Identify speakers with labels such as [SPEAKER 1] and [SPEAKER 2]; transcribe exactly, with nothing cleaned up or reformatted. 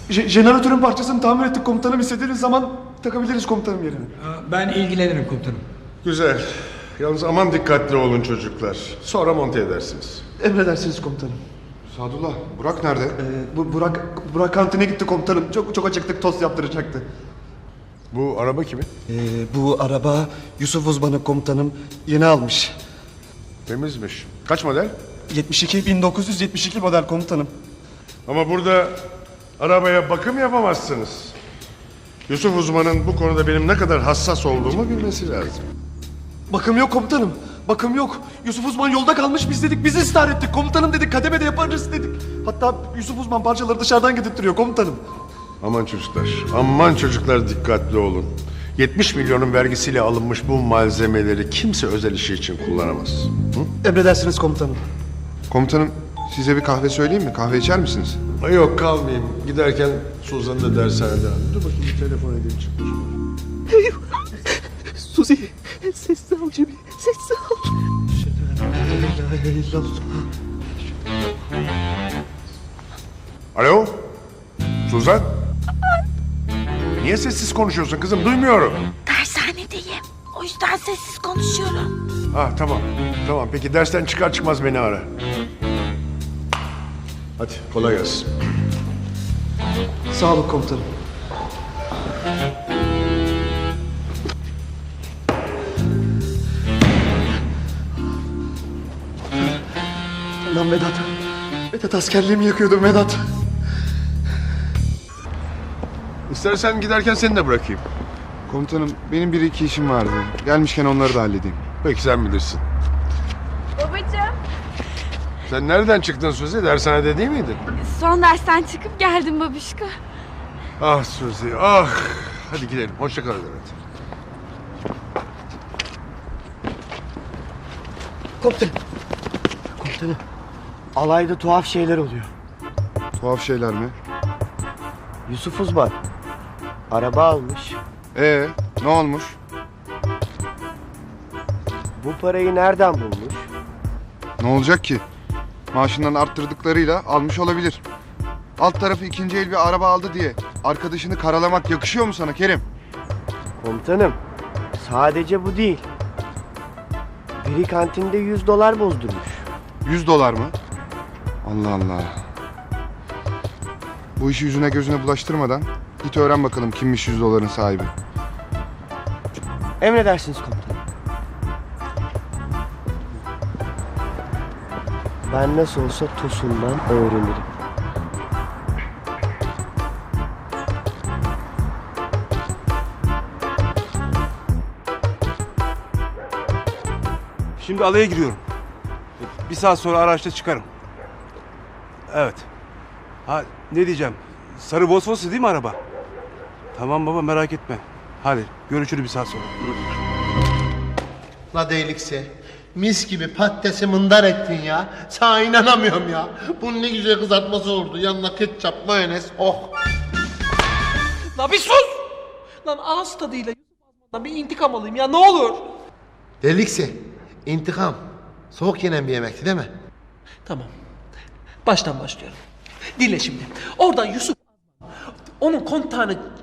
[SPEAKER 1] Je jeneratörün parçasını tamir ettik komutanım. İstediğiniz zaman takabiliriz komutanım yerine.
[SPEAKER 2] Ben ilgilenirim komutanım.
[SPEAKER 3] Güzel. Yalnız aman dikkatli olun çocuklar. Sonra monte edersiniz.
[SPEAKER 1] Emredersiniz komutanım.
[SPEAKER 4] Sadullah, Burak nerede?
[SPEAKER 1] Ee, bu Burak Burak kantine gitti komutanım. Çok çok acıktık, tost yaptıracaktı.
[SPEAKER 3] Bu araba kimin?
[SPEAKER 1] Ee, bu araba Yusuf uzmanı komutanım yeni almış.
[SPEAKER 3] Temizmiş. Kaç model?
[SPEAKER 1] yetmiş iki bin dokuz yüz yetmiş iki model komutanım.
[SPEAKER 3] Ama burada arabaya bakım yapamazsınız. Yusuf uzmanın bu konuda benim ne kadar hassas olduğumu bilmesi lazım.
[SPEAKER 1] Bakım yok komutanım. Bakım yok. Yusuf Uzman yolda kalmış, biz dedik, biz ısrar ettik. Komutanım dedik, kademede yaparız dedik. Hatta Yusuf Uzman parçaları dışarıdan getirtiyor komutanım.
[SPEAKER 3] Aman çocuklar, aman çocuklar dikkatli olun. yetmiş milyonun vergisiyle alınmış bu malzemeleri kimse özel işi için kullanamaz. Hı?
[SPEAKER 1] Emredersiniz komutanım.
[SPEAKER 4] Komutanım, size bir kahve söyleyeyim mi? Kahve içer misiniz?
[SPEAKER 3] Ay yok kalmayayım. Giderken Suzan'ı da dershanede aldım. Dur bakayım bir telefon edeyim çıkmış.
[SPEAKER 1] Suzi, sessiz ol Cemil, sessiz ol.
[SPEAKER 3] Alo? Suzan? Niye sessiz konuşuyorsun kızım? Duymuyorum.
[SPEAKER 5] Dershanedeyim. O yüzden sessiz konuşuyorum.
[SPEAKER 3] Ah tamam. Tamam peki dersten çıkar çıkmaz beni ara. Hadi kolay gelsin.
[SPEAKER 1] Sağ olun komutanım. Lan Vedat. Vedat askerliğimi yakıyordum Vedat.
[SPEAKER 3] İstersen giderken seni de bırakayım.
[SPEAKER 4] Komutanım, benim bir iki işim vardı. Gelmişken onları da halledeyim.
[SPEAKER 3] Peki sen bilirsin.
[SPEAKER 5] Babacığım.
[SPEAKER 3] Sen nereden çıktın Suzi? Dershanede değil miydin?
[SPEAKER 5] Son dersten çıkıp geldim babişko.
[SPEAKER 3] Ah Suzi ah. Hadi gidelim. Hoşça kal Levent.
[SPEAKER 6] Komutanım. Komutanım. Alayda tuhaf şeyler oluyor.
[SPEAKER 4] Tuhaf şeyler mi?
[SPEAKER 6] Yusuf Uzman araba almış.
[SPEAKER 4] Ee, ne olmuş?
[SPEAKER 6] Bu parayı nereden bulmuş?
[SPEAKER 4] Ne olacak ki? Maaşından arttırdıklarıyla almış olabilir. Alt tarafı ikinci el bir araba aldı diye arkadaşını karalamak yakışıyor mu sana Kerim?
[SPEAKER 6] Komutanım, sadece bu değil. Biri kantinde yüz dolar bozdurmuş.
[SPEAKER 4] Yüz dolar mı? Allah Allah. Bu işi yüzüne gözüne bulaştırmadan git öğren bakalım kimmiş yüz doların sahibi.
[SPEAKER 6] Emredersiniz komutanım. Ben nasıl olsa Tosun'dan öğrenirim.
[SPEAKER 7] Şimdi alaya giriyorum. Bir saat sonra araçta çıkarım. Evet. Ha ne diyeceğim? Sarı Volkswagen değil mi araba? Tamam baba merak etme. Hadi görüşürüz bir saat sonra.
[SPEAKER 8] La değilikse. Mis gibi patatesi mındar ettin ya. Sana inanamıyorum ya. Bunun ne güzel kızartması oldu. Yanına ketçap, mayonez. Oh.
[SPEAKER 9] La bir sus! Lan ağız tadıyla Yusuf Azman'dan bir intikam alayım ya ne olur.
[SPEAKER 8] Delikse. İntikam. Soğuk yenen bir yemekti değil mi?
[SPEAKER 9] Tamam. Baştan başlıyorum. Dinle şimdi. Oradan Yusuf Azman onun kontağını